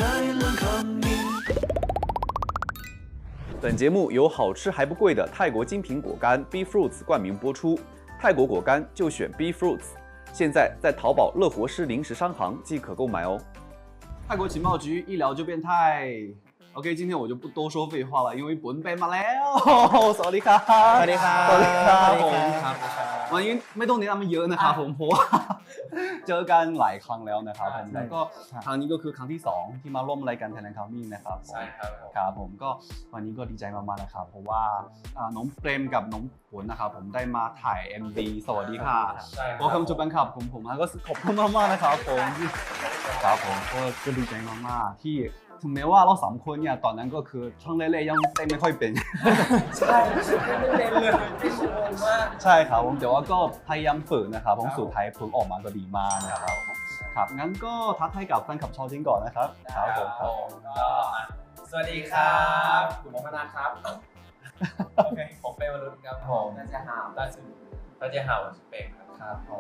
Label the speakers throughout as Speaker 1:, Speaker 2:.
Speaker 1: 本节目由好吃还不贵的泰国精品果干 B Fruits 冠名播出。泰国果干就选 B Fruits， 现在在淘宝乐活师零食商行即可购买哦。泰国情报局一聊就变态。OK， 今天我就不多说废话了，因为本เป็นมาแล้วสวัสดีครับ
Speaker 2: สวัสดีครับ
Speaker 1: สวัสดีครับ
Speaker 2: สวัสดี
Speaker 1: ผม
Speaker 2: ครับ
Speaker 1: วันนี้ไม่ต้องแนะนำเยอะนะครับผมเพราะว่าเจอกันหลายครั้งแล้วนะครับผมแล้วก็ครั้งนี้ก็คือครั้งที่2ที่มาร่วมรายการ Thailand Coming นะครับผม
Speaker 2: ใช่ครับ
Speaker 1: ครับผมก็วันนี้ก็ดีใจมากๆนะครับเพราะว่าน้องเปรมกับน้องฝนนะครับผมได้มาถ่าย MV สวัสดีค่ะ
Speaker 2: ใช่ครับ
Speaker 1: Welcome to Bangkok ผมแล้วก็ขอบคุณมากๆนะครับผมครับผมก็ดีใจมากๆที่ถึงแม้ว่าเรา3คนเนี่ยตอนนั้นก็คือช่วงแรกๆยังเต้นไม่ค่อยเป็น
Speaker 2: ใช่ไม่เป็นเลยไม่งงมาก
Speaker 1: ใช่ครับผมแต่ว่าก็พยายามฝึกนะครับผมสุดท้ายผลออกมาก็ดีมากนะครับครับงั้นก็ทักทายกับแฟนคลับชาวจีนก่อนนะครับครับผมครับ
Speaker 2: ก็สวัสดีครับผมมนาครับโอเคผมเป็นวรุณครับผมน่าจะห่าวล่าสุดน่าจะห่าวเป็นครับผม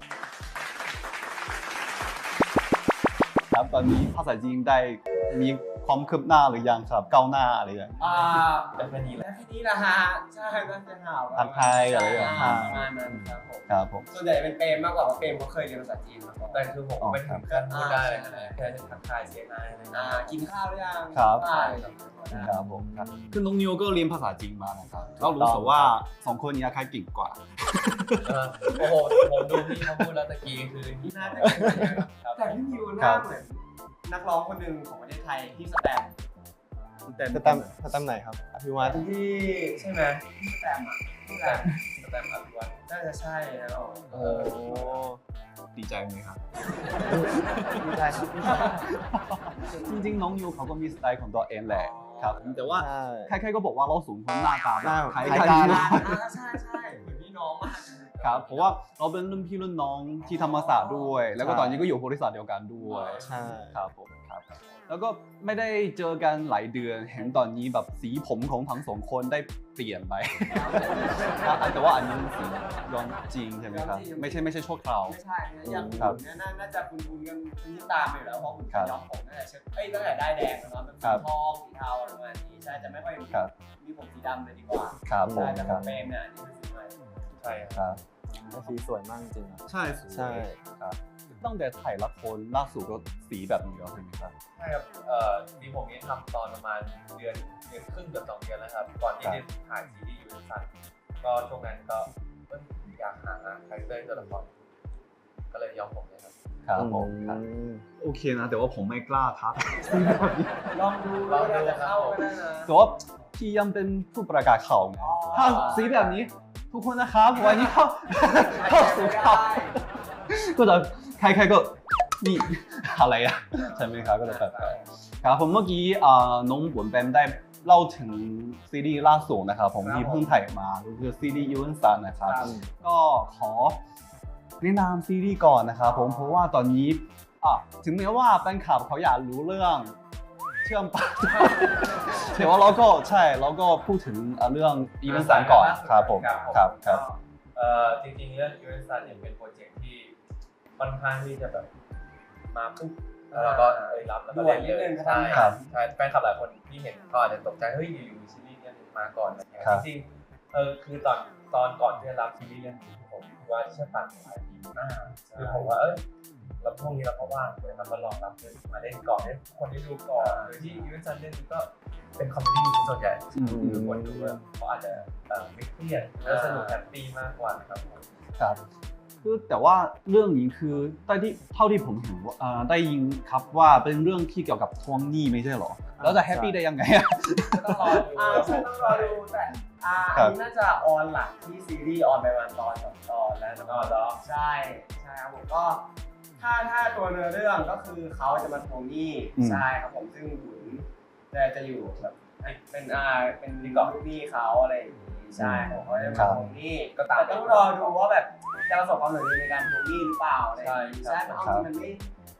Speaker 1: ครับตอนนี้ภาษาจีนได้มีความคืบหน้าหรือยังครับก้าวหน้าอะไรอย่างเงี้ย
Speaker 2: เป็นแค่นี้แหละแค่นี้ละฮะใช่น่าจะห่าว
Speaker 1: ทักทายอะไรอย่างเงี้ย
Speaker 2: ประมาณนั้นครับผม
Speaker 1: ครับผม
Speaker 2: ส่วนใหญ่เป็นเปรมมากกว่าเพราะเปรมเขาเคยเรียนภาษาจีนมาก่อนแต่คือผมไม่ถึงขั้นพูดได้เลยนะแค่จะทักทายเสียงายกินข้าวหรือยัง
Speaker 1: ครับ
Speaker 2: ใช่
Speaker 1: ครับผมครับคือน้องนิวก็เรียนภาษาจีนมานะครับเรารู้สึกว่า2คนนี้ใครเก่งกว่า
Speaker 3: โอ้โหผมดูพี่เขาพูดแล้วตะกี้คือที่น่าจะ
Speaker 2: แต่พี่นิวหน้าเหมือนนักร้องคนหนึ่งของประเทศไทยที่สแตมป์
Speaker 4: สแตมป์ไหนครับอภิวัต
Speaker 2: ที่ใช่ไหมที่สแตมป์อ่ะที่สแตมป์
Speaker 3: แต่อภิวัต
Speaker 2: น่าจะใช่นะ
Speaker 4: โอ้
Speaker 1: ดีใจไหมครับ
Speaker 4: ไม่ได้ครับ
Speaker 1: จริงๆน้องนิวเขาก็มีสไตล์ของตัวเองแหละครับแต่ว่า
Speaker 4: ใช่
Speaker 1: ใครๆก็บอกว่าเราสูงคนหน้าตา
Speaker 4: หน้า
Speaker 1: คล้าย
Speaker 4: คล้าย
Speaker 1: กั
Speaker 4: กัน น
Speaker 2: ใช่ใช่เหมือนพี่น้องมาก
Speaker 1: ครับเพราะว่าเราเป็นรุ่นพี่รุ่นน้องที่ธรรมศาสตร์ด้วย แล้วก็ตอนนี้ก็อยู่บริษัทเดียวกันด้วย
Speaker 4: ใช่
Speaker 1: ครับผมครับแล้วก็ไม่ได้เจอกันหลายเดือนเห็นตอนนี้แบบสีผมของทั้งสองคนได้เปลี่ยนไป แต่ว่าอันนี้เป็นสีย้อนจริงใช่ไหมครับไม่ใช่ชั่วคราว
Speaker 2: ไม่ใช่นะอย่าง
Speaker 1: ครั
Speaker 2: คุ
Speaker 1: บ
Speaker 2: ณเนี่ยน่าจะคุ้นๆกันที่ตามอยู่แล้วเพราะคุณ
Speaker 1: ครับ
Speaker 2: ย้อมผมตั้งแต่ตั้งแต่ได้แดงแล้วเนาะเป็นสีทองสีเทาอะไรประมาณนี้ใช่จะไม่ค่อยมี
Speaker 1: ครับ
Speaker 2: มีผมสีดำเลยดีกว่า
Speaker 1: ครับผม
Speaker 2: ใช่แต่
Speaker 1: ค
Speaker 2: ข
Speaker 1: รั
Speaker 2: อบ งเปรมเนี่ยอันนี้เป็นสีใหม่
Speaker 3: ใช่
Speaker 1: ครับ
Speaker 4: สีสวยมากจริงๆอะ
Speaker 1: ใช่
Speaker 4: ใช่
Speaker 1: ครับตั้งแต่ถ่ายละครล่าสุดก็สีแบบนี้แล้วใช่ไหมครับ
Speaker 3: ใช่ครับที่ผมนี้ทำตอนประมาณเดือนครึ่งเกือบ2 เดือนแล้วครับก่อนที่จะถ่ายซีรีส์ยูนิสันก็ช่วงนั้นก็อยากหาคาแรคเตอร์ตัวละครก็เลยยอมผมเลยครับ
Speaker 1: ครับผมครับ
Speaker 4: อืม
Speaker 1: โอเคนะแต่ว่าผมไม่กล้าทัก
Speaker 2: ลองดูแล้วอาจจะเข้าก็ได้นะ
Speaker 1: แต่ว่าพี่ยังเป็นผู้ประกาศข่าวไงถ้าสีแบบนี้ทุกคนนะครับวันนี้เข้าสู่ข่าวก็จะใครๆก็นี่อะไรอะใช่ไหมครับก็จะแบบครับผมเมื่อกี้น้องบวนแปมได้เล่าถึงซีรีส์ล่าสุดนะครับผมที่เพิ่งถ่ายมาก็คือซีรีส์ยูนซันนะครับ ก็ขอแนะนำซีรีส์ก่อนนะครับผมเพราะว่าตอนนี้ถึงแม้ว่าแฟนคลับเขาอยากรู้เรื่องเชื่อมปะ แต่ว่าเราก็พูดถึงเรื่องอีเวนต์สารก่อนครับผมครับ
Speaker 3: จริงๆเรื่องยูนิสันเนี่ยเป็นโปรเจกต์ที่ค่อนข้างที่จะแบบมาปุ๊บแล้วก็รับแล้วก็เล่นเลยใช่ใช่แฟนคลับหลายคนที่เห็นก็อาจจะตกใจเฮ้ยอยู่ๆซีรีส์เนี่ยมาก่อนอะไรเงี้ยจริงๆคือตอนก่อนที่จะรับซีรีส์เรื่องนี้ผมว่าที่จะตัดหลายปีคือผมว่าแล้วพวกนี้เราก็ว่างเลยครับมาลองรับเล่นมาเล่นก่อนให้คนได้ดูก่อนโดยที่ยูนิสันเล่นก็เป็นคอมเมดี้ส่วนใหญ่คือคนดูเขาอาจจะไม่เครียดแล้วสนุกแฮปปี้มากกว่านะครับ
Speaker 1: ครับคือแต่ว่าเรื่องนี้คือเท่าที่ผมเห็นว่าได้ยินครับว่าเป็นเรื่องที่เกี่ยวกับทวงหนี้ไม่ใช่หรอแล้วจะแฮปปี้ได้ยังไงอะ
Speaker 2: ต้องรอดูใช่ต้องรอดูแต่อันนี้น่าจะออนหลังที่ซีรีส์ออนไปวันตอน2 ตอนแล้วก็ใช่ครับผมก็ถ้าตัวเนื้อเรื่องก็คือเขาจะมาทวงหนี้ใช่ครับผมซึ่งบุญจะอยู่แบบเป็นลิงก์ลูกหนี้เขาอะไรอย่างนี้ใช่ผมเขาจะมาทวงหนี้ก็ต้องรอดูว่าแบบจะประสบความสำเร็จในการทวงหนี้หรือเปล่าอะไรอย่างนี้ใช่เพราะเอาจริงมัน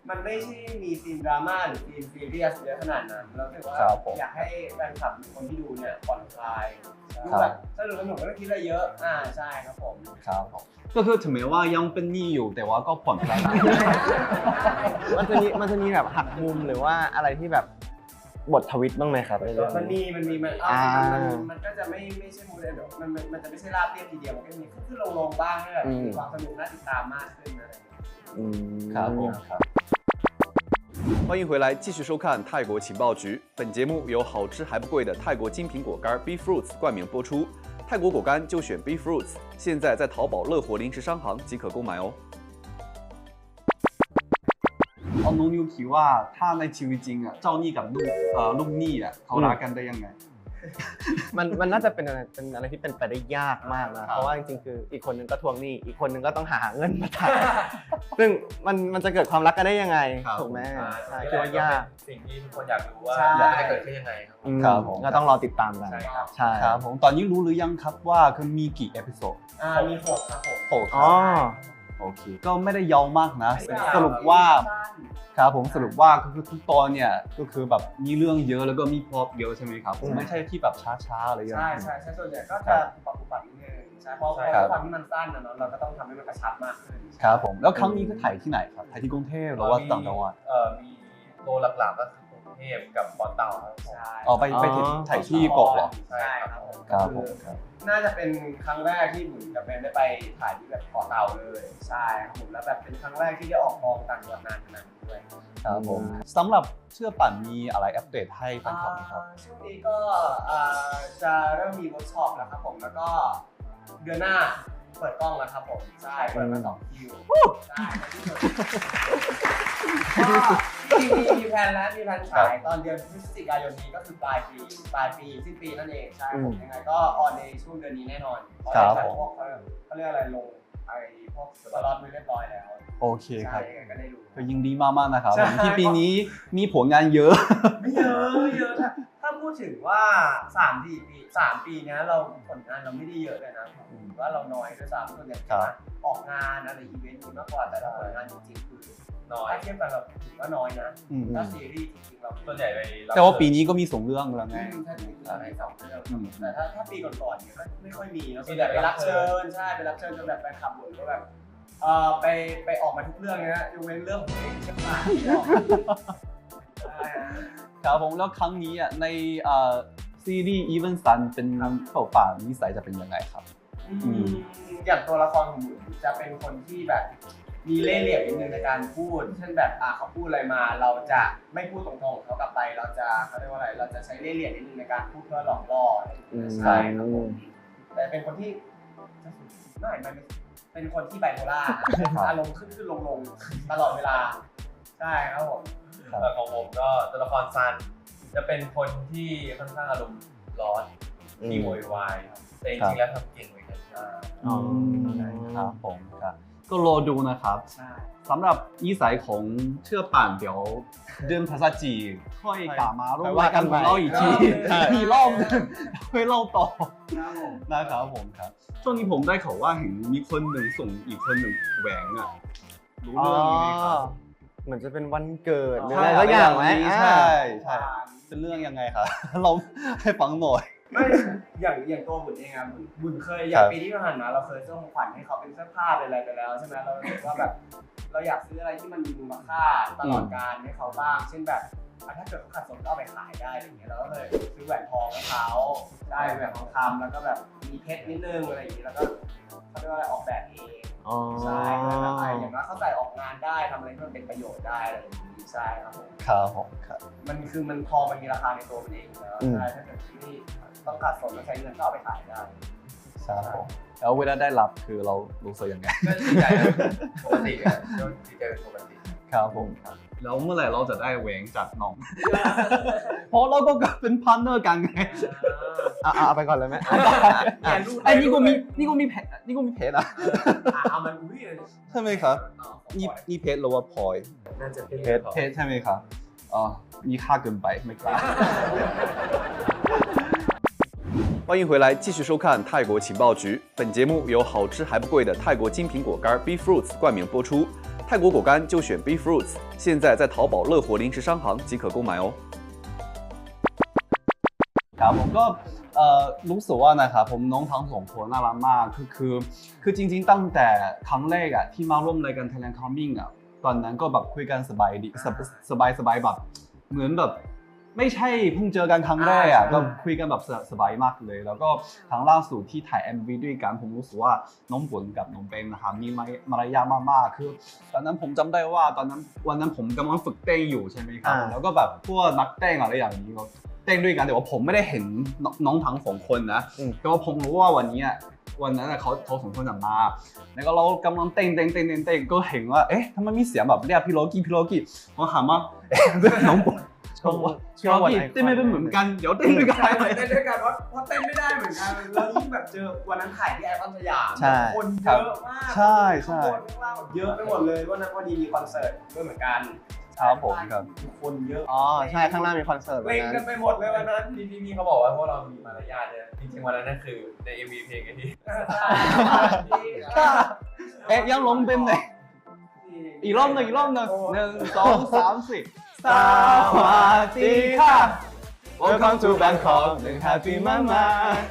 Speaker 2: มันไม่ใช่มีซีนดราม่าหรือซีนซีเรียสเยอะขนาดนั้นเราคิดว่า
Speaker 1: ครับผม
Speaker 2: อยากให้แฟนคลับหรือคนที่ดูเนี่ยผ่อนคลายดูแบบสนุกไม่ต้องคิดอะไรเยอะใช่ครับผม
Speaker 1: ครับผมก็คือถึงแม้ว่ายังเป็นหนี้อยู่แต่ว่าก็ผ่อนคลาย
Speaker 4: มันจะมีแบบหักมุมหรือว่าอะไรที่แบบบททวิตบ้างไหมครับในเรื่อง
Speaker 2: มัน
Speaker 4: นี้
Speaker 2: มีมันก็จะไม่ใช่มูดเดี๋ยวมันจะไม่ใช่ราบเรียบทีเดียวมันก็มีขึ้นลงบ้างให้แบบมีความสนุกน่าติดตามมากขึ้นอะไรอย่างเงี้ย
Speaker 1: ครับผมครับ
Speaker 5: 欢迎回来，继续收看泰国情报局。本节目由好吃还不贵的泰国精品果干 B Fruits 冠名播出。泰国果干就选 B Fruits，现在在淘宝乐活零食商行即可购买哦。
Speaker 1: เอาน้องนิวคิดว่าถ้าในชีวิตจริงอ่ะเจ้าหนี้กับลูกหนี้อ่ะเขารักกันได้ยังไง
Speaker 4: มันน่าจะเป็นอะไรที่เป็นไปได้ยากมากนะ เพราะว่าจริงๆคืออีกคนนึงก็ทวงหนี้อีกคนนึงก็ต้องหาเงินมาจ่าย ซึ่งมันจะเกิดความรักกันได้ยังไง
Speaker 1: ครับ
Speaker 4: ถูกไหม
Speaker 3: ใช่
Speaker 4: คิดว่ายาก
Speaker 3: สิ่งที่ทุกคนอยากรู้ว่า
Speaker 2: ใช่
Speaker 3: มันจะเกิดขึ้นยังไงครับ
Speaker 1: ครับผม
Speaker 4: ก็ต้องรอติดตามกัน
Speaker 3: ใช่ครับ
Speaker 4: ใช่
Speaker 1: ครับผมตอนนี้รู้หรือยังครับว่าคือมีกี่เอพิโซด
Speaker 2: มีหกครับผม
Speaker 1: โอ้
Speaker 4: อ๋อ
Speaker 1: โอเคก็ไม่ได้ยาวมากนะสรุปว่าครับผมสรุปว่าก็คือทุกตอนเนี่ยก็คือแบบมีเรื่องเยอะแล้วก็มีพล็อตเยอะใช่ไหมครับไม่ใช่ที่แบบช้าๆอะไรอย่าง
Speaker 2: ใช่
Speaker 1: เงี้ย
Speaker 2: ใช่ใช่ส่วนใหญ่ก็จะปรับนิดนึงใช่เพราะความที่มันสั้นนะเนาะเราก็ต้องทำให้มันกระชับมากขึ้น
Speaker 1: ครับผมแล้วครั้งนี้คือถ่ายที่ไหนครับถ่ายที่กรุงเทพหรือว่าต่างจังหวัด
Speaker 3: มีตัวหลักๆก็คือกรุงเทพกับเกาะเต่าครับผม
Speaker 2: ใช่
Speaker 1: อ๋อไปถ่ายที่เกาะเหรอ
Speaker 2: ใช่ครับผม
Speaker 1: ครับผมครับ
Speaker 2: น่าจะเป็นครั้งแรกที่หมุนกับเบนได้ไปถ่ายที่แบบเกาะเต่าเลยใช่ครับผมแล้วแบบเป็นครั้งแรกที่ได้ออกกองต่างจังหวัดนานขนาดนี้ด้วย
Speaker 1: ครับผมสำหรับเชื่อปั่นมีอะไรอัปเดตให้แฟนคลับไหมครับ
Speaker 2: ช่วงนี้ก็จะเริ่มมีเวิร์กช็อปแล้วครับผมแล้วก็เดือนหน้าเปิดกล้องแล้วครับผมใช่เปิดมา2 คิวใช่ก็มีแผนแล้วมีแผนฉายตอนเดือนพฤศจิกายนนี้ก็คือปลายปีสิ้นปีนั่นเองใช่ผมยังไงก็ออนในช่วงเดือนนี้แน่นอนพวกเขาเรียกอะไรลงไอ้พวกสล็อตไว้เรียบร้อยแล้ว
Speaker 1: โอเคค
Speaker 2: ใช่
Speaker 1: รับ
Speaker 2: ยังไงก็ได้ดู
Speaker 1: ก็ยินดีมากๆนะครับ
Speaker 2: ใช่
Speaker 1: ที่ปีนี้มีผลงานเยอะ
Speaker 2: ไม่เยอะถ้าพูดถึงว่า3 ปีเนี้ยเราผลงานเราไม่ได้เยอะเลยนะผมว่าเราน้อยด้วยซ้ำส่วนใหญ่ออกงานอะไรอีเวนต์มากกว่าแต่ถ้าผลงานจริงๆคือ
Speaker 3: น้อย
Speaker 2: ถ้าเทียบกันเราถือว่าน้อยนะ
Speaker 1: อืม
Speaker 2: ถ้าซีรีส์จริงๆเรา
Speaker 3: ส่วนใหญ่ไปรับ
Speaker 1: แต่ว่าปีนี้ก็มี2 เรื่องแล้วไง
Speaker 2: ถ้าจริงๆอะไร2 เรื่อง
Speaker 1: อืม
Speaker 2: แต่ถ้าปีก่อนๆเนี่ยก็ไม่ค่อยมีนะส่วนใหญ่ไปรับเชิญใช่ไปรับเชิญจนแบบแฟนคลับบ่นว่าแบบไปออกมาทุกเรื่องเลยนะยกเว้นเรื่องเพลงใช่ไหมใช่
Speaker 1: ครับผมแล้วครั้งนี้อ่ะในซีรีส์ Even Sun เป็นเข้าป่านิสัยจะเป็นยังไงครับ
Speaker 2: อย่างตัวละครของหมุนจะเป็นคนที่แบบมีเล่ห์เหลี่ยมนิดนึงในการพูดเช่นแบบเขาพูดอะไรมาเราจะไม่พูดตรงๆเขากลับไปเราเรียกว่าอะไรเราจะใช้เล่ห์เหลี่ยมนิดนึงในการพูดเพื่อหลอกล่ออะไรอย่างเงี้ยใช่ครับผมแต่เป็นคนที่ไม่เป็นคนที่ไบโพล่าอารมณ์ขึ้นลงตลอดเวลาใช่ครับผม
Speaker 3: ของผมก็ตัวละครซันจะเป็นคนที่ค่อนข้างอารมณ์ร้อนที่โวยวายแต่จริงๆแล้วทำเก่งเหมือนกัน
Speaker 1: ครับผมครับก็รอดูนะครับ
Speaker 2: ใช่
Speaker 1: สำหรับนิสัยของเชื่อป่านเดี๋ยวเดือนภาษาจีนค่อยกลับมาร่วมรายการของเราอีกทีอีกรอบนึงค่อยเล่าต่อ
Speaker 2: ครับผม
Speaker 1: นะครับผมครับช่วงนี้ผมได้ข่าวว่าเห็นมีคนหนึ่งส่งอีกคนหนึ่งแหวงอ่ะรู้เรื่องนี้ไหมครับ
Speaker 4: เหมือนจะเป็นวันเกิดหรืออะไรสักอย่างไหม
Speaker 1: ใช่เป็นเรื่องยังไงครับ เราให้ฟังหน่อย
Speaker 2: ไม่อย่างตัวบุญเองอะบุญเคยอย่างปีที่ผ่านมาเราเคยซื้อของขวัญให้เขาเป็นเสื้อผ้าเป็นอะไรไปแล้วใช่ไหมเรารู้สึกว่าแบบเราอยากซื้ออะไรที่มันมีมูลค่าตลอดการให้เขาบ้างเช่นแบบถ้าเกิดเขาขัดสนก็เอาไปขายได้อะไรอย่างเงี้ยเราก็เลยซื้อแหวนทองให้เขาได้แหวนทองคำแล้วก็แบบมีเพชรนิดนึงอะไรอย่างเงี้ยแล้วก็เขาเรียกว่าอะไรออกแบบเองใช่แบบอย่างว่าเขาใส่ออกงานได้ทำอะไรที่มันเป็นประโยชน์ได้อะไรอย่างงี้ใช่ครับผม
Speaker 1: ครับผมครับ
Speaker 2: มันทองมันมีราคาในตัวมันเองแล้วใช่ถ้าเกิดที่ต้องขาดสนแล้วใช้เงินก็เอาไปขายได้
Speaker 1: ใช่ผมแล้วเวลาได้รับคือเรารู้สึกยังไง
Speaker 3: ก็ดีใจปกติอะก็ดีใจเป็นปกติ
Speaker 1: ครับผมครับแล้วเมื่อไหร่เราจะได้แหวงจากน้อง เพราะเราก็เป็นพาร์ทเนอร์กันไง
Speaker 4: เอาไปก่อนเลยไหม
Speaker 1: ไอ้นี่ก็มีเพจอ่ะ
Speaker 2: เอามันอุ้ย
Speaker 1: ใช่ไหมครับนี่เพจหรือว่าพลอย
Speaker 2: น่าจะเป็น
Speaker 1: เพจใช่ไหมครับอ๋อมีค่าเกินไปไม่กล้า
Speaker 5: 欢迎回来，继续收看泰国情报局。本节目由好吃还不贵的泰国精品果干 B Fruits 冠名播出。泰泰国果干就选 B Fruits，现在在淘宝乐活零食商行即可购买哦。
Speaker 1: ครับผมก็รู้สึกว่านะครับผมน้องทั้งสองคนน่ารักมากคือจริงๆตั้งแต่ครั้งแรกอะที่มาร่วมรายการ Thailand Coming อะตอนนั้นก็แบบคุยกันสบายดีสบายแบบเหมือนแบบไม่ใช่เพิ่งเจอกันครั้งแรกอะก็คุยกันแบบสบายมากเลยแล้วก็ครั้งล่าสุดที่ถ่าย MV ด้วยกันผมรู้สึกว่าน้องฝนกับน้องเบนนะครับมีมารยาทมากๆคือตอนนั้นผมจำได้ว่าวันนั้นผมกำลังฝึกเต้นอยู่ใช่ไหมครับแล้วก็แบบพวกนักเต้นอะไรอย่างนี้เต้นด้วยกันแต่ว่าผมไม่ได้เห็นน้องทั้งสองคนนะแต่ว่าผมรู้ว่าวันนั้นเขาสองคนจะมาแล้วก็เรากำลังเต้นก็เห็นว่าเอ๊ะทำไมมีเสียงแบบเรียกพี่โลกี้ผมถามว่าเอ๊ะน้องฝนพี่โลกี้เต้นไม่เป็นเหมือนกันเดี๋ยวเต้นด้วยกัน
Speaker 2: เต้นด้วยกันเพราะเต้นไม่ได้เหมือนกันแล้วยิ่งแบบเจอวันนั้นถ่ายที่ไอคอนสยามคนเยอะมาก
Speaker 1: ใช่
Speaker 2: ข้างบนข้างล่างเยอะไปหมดเลยวันนั้นพอดีมีคอนเสิร์ตด้วยเหมือนกัน
Speaker 1: ครับผมครับ
Speaker 2: คนเยอะ
Speaker 4: อ๋อใช่ข้างหน้ามีคอนเสิร์ตวัน
Speaker 2: เล่น
Speaker 4: นั้
Speaker 2: กัน
Speaker 4: น
Speaker 2: ไปหมดเลยวันนั้น
Speaker 3: ที่พี่เขาบอกว่าพวกเรามีมารยาทเนี่ยจริงๆวันนั้นนั่นคือใน MV เพลงไอ้ที่
Speaker 1: เอ๊ะยังลงเป็นไหนอีกรอบหนึ่ง1 2 3 4สวัสดีค่ะ Welcome to Bangkok Happy Mama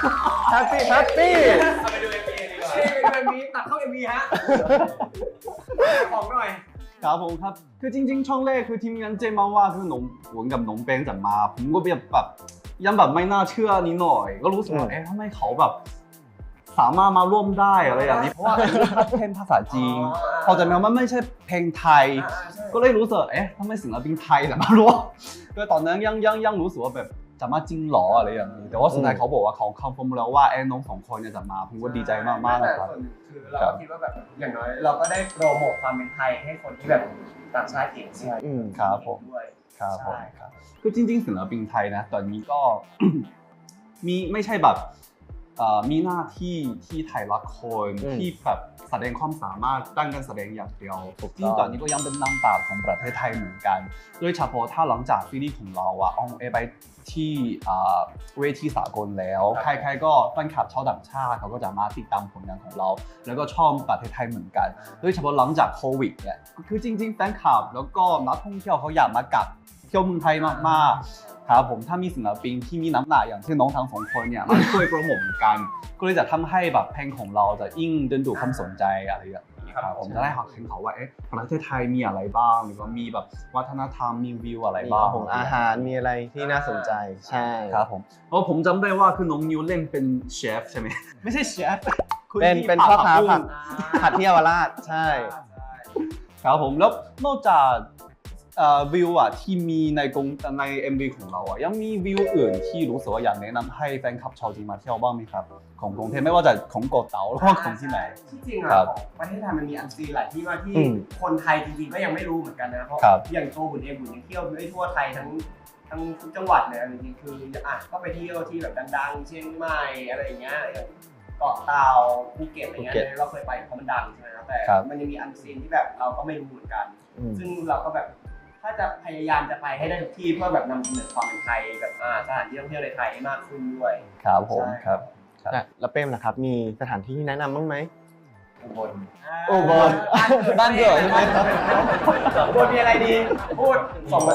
Speaker 4: Happy
Speaker 3: เอาไปดู MV ดีกว่า
Speaker 2: เป็นมีตัดเข้า MV ฮะของหน่อย
Speaker 1: ครับผมครับคือจริงๆช่องแรกคือทีมงานเจมาว่าคือหนงหวนกับหนงเป้งจะมาผมก็แบบยังแบบไม่น่าเชื่อนิดหน่อยก็รู้สึกว่าเอ๊ะทำไมเขาแบบสามารถมาร่วมได้อะไรอย่างนี้เพราะว่าเพลงภาษาจีนพอจะมามันไม่ใช่เพลงไทยก็เลยรู้สึกเอ๊ะทำไมศิลปินไทยจะมาร่วมก็ตอนนั้นยังรู้สึกว่าแบบจะมาจริงหรออะไรอย่างนี้แต่ว่าสุดท้ายเขาบอกว่าเขาคอนเฟิร์มแล้วว่าน้องสองคนเนี่ยจะมาผมก็ดีใจมากๆนะครับ
Speaker 2: คือเราคิดว่าแบบอย่างน้อยเราก็ได้โปรโมทความเป็นไทยให้คนที่แบบต่างชาติเห็นใช่ไหม
Speaker 1: ครับผม
Speaker 2: ด้วย
Speaker 1: ครับผมครับคือจริงๆศิลปินไทยนะตอนนี้ก็ มีไม่ใช่แบบมีหน้าที่ที่ถ่ายละครที่แบบแสดงความสามารถด้านการแสดงอย่างเดียวที่ตอนนี้ก็ยังเป็นนางแบบของประเทศไทยเหมือนกันโดยเฉพาะถ้าหลังจากซีรีส์ของเราออนแอร์ไปที่เวทีสากลแล้วใครๆก็แฟนคลับชาวต่างชาติเขาก็จะมาติดตามผลงานของเรา แล้วก็ชอบประเทศไทยเหมือนกันโดยเฉพาะหลังจากโควิดเนี่ยคือจริงๆแฟนคลับแล้วก็นักท่องเที่ยวเขาอยากมากลับเที่ยวเมืองไทยมากๆครับผมถ้ามีศิลปินที่มีน้ำหนักอย่างเช่นน้องทั้งสองคนเนี่ยมาช่วยโปรโมทเหมือนกันก็เลยจะทำให้แบบเพลงของเราจะยิ่งดึงดูดความสนใจอะไรอย่างนี้ครับผมจะได้เห็นเขาว่าประเทศไทยมีอะไรบ้างหรือว่ามีแบบวัฒนธรรมมีวิวอะไรบ้าง
Speaker 4: ของอาหารมีอะไรที่น่าสนใจใช่
Speaker 1: ครับผมเพราะผมจำได้ว่าคือน้องนิวเล่นเป็นเชฟใช่ไหมไม่ใช่เชฟ
Speaker 4: เป็นพ่อค้าผัดที่เยาวราชใช่
Speaker 1: ครับผมแล้วนอกจากวิวที่มีใน MV ของเรายังมีวิวอื่นที่รู้สึกว่าอยากแนะนำให้แฟนคลับชาวจีนมาเที่ยวบ้างไหมครับของกรุงเทพไม่ว่าจะของเกาะเต๋าหรือว่าของที่ไหน
Speaker 2: ที่จริง
Speaker 1: ครั
Speaker 2: อะ
Speaker 1: บ
Speaker 2: ของประเทศไทยมันมีอันซีนหลายที่มากที่
Speaker 1: อืม
Speaker 2: คนไทยจริงๆก็ยังไม่รู้เหมือนกันนะเพราะ
Speaker 1: ครับ
Speaker 2: อย่างตัวบุญเองบุญยังเที่ยวไม่ทั่วไทยทั้งทุกจังหวัดเลยจริงๆคือก็ไปเที่ยวที่แบบดังๆเชียงใหม่อะไรอย่างเงี้ยอย่างเกาะเต่าภูเก็ตอะไรเงี้ยเราเคยไปเพราะมันดังใช่ไหมครับแต่มันยังมีอันซีนที่แบบเราก็ไม่รู้เหมือนกัน ซึ่งเราก็แบบถ้าจะพยายามจะไปให้ได้ทุกที่เพื่อแบบนำเสนอความเป็นไทยแบบสถานที่ท่องเที่ยวในไทยให้มากขึ้นด้วย
Speaker 1: ครับผม
Speaker 2: ใช่
Speaker 1: ครับ
Speaker 4: แล้วเป้มล่ะครับมีสถานที่แนะนำบ้างไหม
Speaker 3: อุบล
Speaker 1: อุบลบ้านเกิดใช่ไหมครับ
Speaker 2: อุบลมีอะไรดีพูดสองแบบ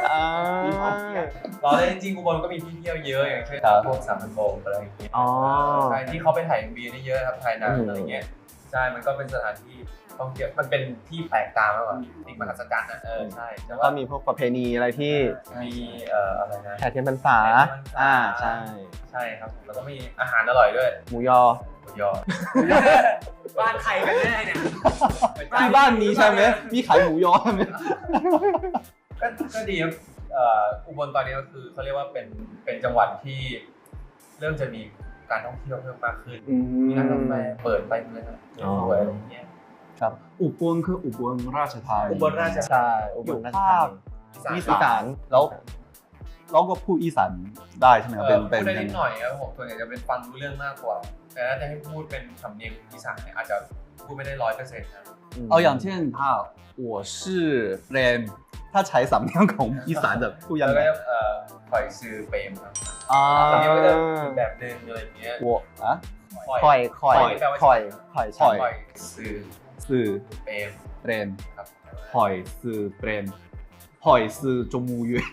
Speaker 3: เราได้จริงๆอุบลก็มีที่เที่ยวเยอะอย่างเช่นพวกสามพันโบกอะไรอย่างเงี้ย
Speaker 4: อ๋อ
Speaker 3: ใช่ที่เขาไปถ่าย MV ได้เยอะครับถ่ายหนังอะไรเงี้ยใช่มันก็เป็นสถานที่ท่องเที่ยวมันเป็นที่แปลกตามากกว่าสิ่งมหัศจรรย์นะใช่แต่
Speaker 4: ก็
Speaker 3: ว่า
Speaker 4: มีพวกประเพณีอะไรที่
Speaker 3: มีอะไรนะ
Speaker 4: แห่เทียนพรรษาใช่
Speaker 3: ใช่ครับผมแล้วก็มีอาหารอร่อยด้วย
Speaker 4: หมูยอ
Speaker 3: หมูยอ
Speaker 2: บ้านใครกันแน่เนี่ย
Speaker 1: ที่บ้านมีใช่ไหมมีขายหมูยอใช่ไหม
Speaker 3: ก็ดีครับอุบลตอนนี้ก็คือเขาเรียกว่าเป็นจังหวัดที่เริ่มจะมีการท่องเที่ยวเพิ่มมากขึ้นมีร้านกาแฟเปิดไปเลยนะสวยอะไรอย่างเงี้ย
Speaker 1: ครับอุบลคืออุบลราชธานี
Speaker 3: อุบลราชธานี
Speaker 4: ใช่อุบ
Speaker 1: อยู่
Speaker 4: ลราช
Speaker 1: ภา
Speaker 4: ธา
Speaker 1: ค
Speaker 4: นี
Speaker 1: อีสานแล้วเราก็พูดอีสานได้ใช่ไหมครับ
Speaker 3: พูดได้นิดหน่อยครับผมส่วนใหญ่จะเป็นฟังรู้เรื่องมากกว่า แต่ถ้าจะให้พูดเป็นสำเนียงอีสานเนี่ยอาจจะพูดไม่ได้100%นะ
Speaker 1: เอาอย่างเช่นถ้า我是เรนถ้าใช้สำเนียงของอีสานจะพูดยัง
Speaker 3: แล้ว
Speaker 1: ไง
Speaker 3: ก็คอยซื้อเปรมครับ
Speaker 1: สำ
Speaker 3: สำ
Speaker 1: เนี
Speaker 3: เนี
Speaker 1: ย
Speaker 3: ย
Speaker 1: ง
Speaker 3: งก็จะอีกแบบนึงอะไรอย่างเงี้ย
Speaker 1: 我อะ
Speaker 4: ข่อย
Speaker 3: แปลว่า
Speaker 4: ข่อย
Speaker 3: คอยซื้อ
Speaker 1: ซื้อสื่อ
Speaker 3: เปรม
Speaker 1: เปรน
Speaker 3: ครับ
Speaker 1: หอยสื่อเปรนหอยสื่อจมูกเย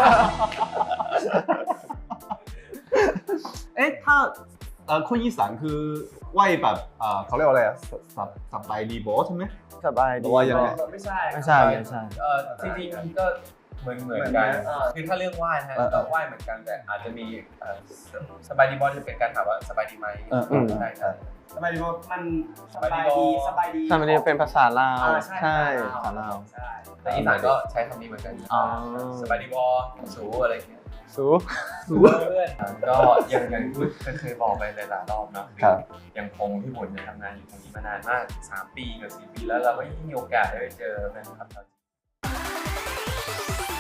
Speaker 1: เอ๊ะถ้าคนอีสานคือไหวแบบเขาเรียกว่าอะไรอะสบายดีบอใช่ไหม
Speaker 4: สบาย
Speaker 1: หรื
Speaker 4: ดี
Speaker 1: อว่ายังไง
Speaker 4: ไม่ใช่ไม่ใช่
Speaker 3: จริงๆก็เหมือนกันคือถ้าเรื่องไหว้นะฮะก็ไหว้เหมือนกันแต่อาจจะมีสบายดีบอลจะเป็นการถามว่าสบายดีไหมใช่ครับ
Speaker 2: สบายดีมันสบายดีสบายดี
Speaker 4: สบายดีเป็นภาษาลาวใช่ภาษาลาว
Speaker 2: ใช่
Speaker 3: แต่อีสานก็ใช้คำนี้เหมือนกัน
Speaker 4: อ๋อ
Speaker 3: สบายดีบอลสูอะไรอย่างเงี้ย
Speaker 4: สู
Speaker 3: เพื่อนก็ยังเคยบอกไปหลายๆรอบเนาะ
Speaker 1: ครับ
Speaker 3: ยังคงพี่บุญเนี่ยทำงานอยู่ตรงนี้มานานมาก3 ปีกับ4 ปีแล้วเราก็ยังมีโอกาสได้ไปเจอแฟนคลับชาวจีน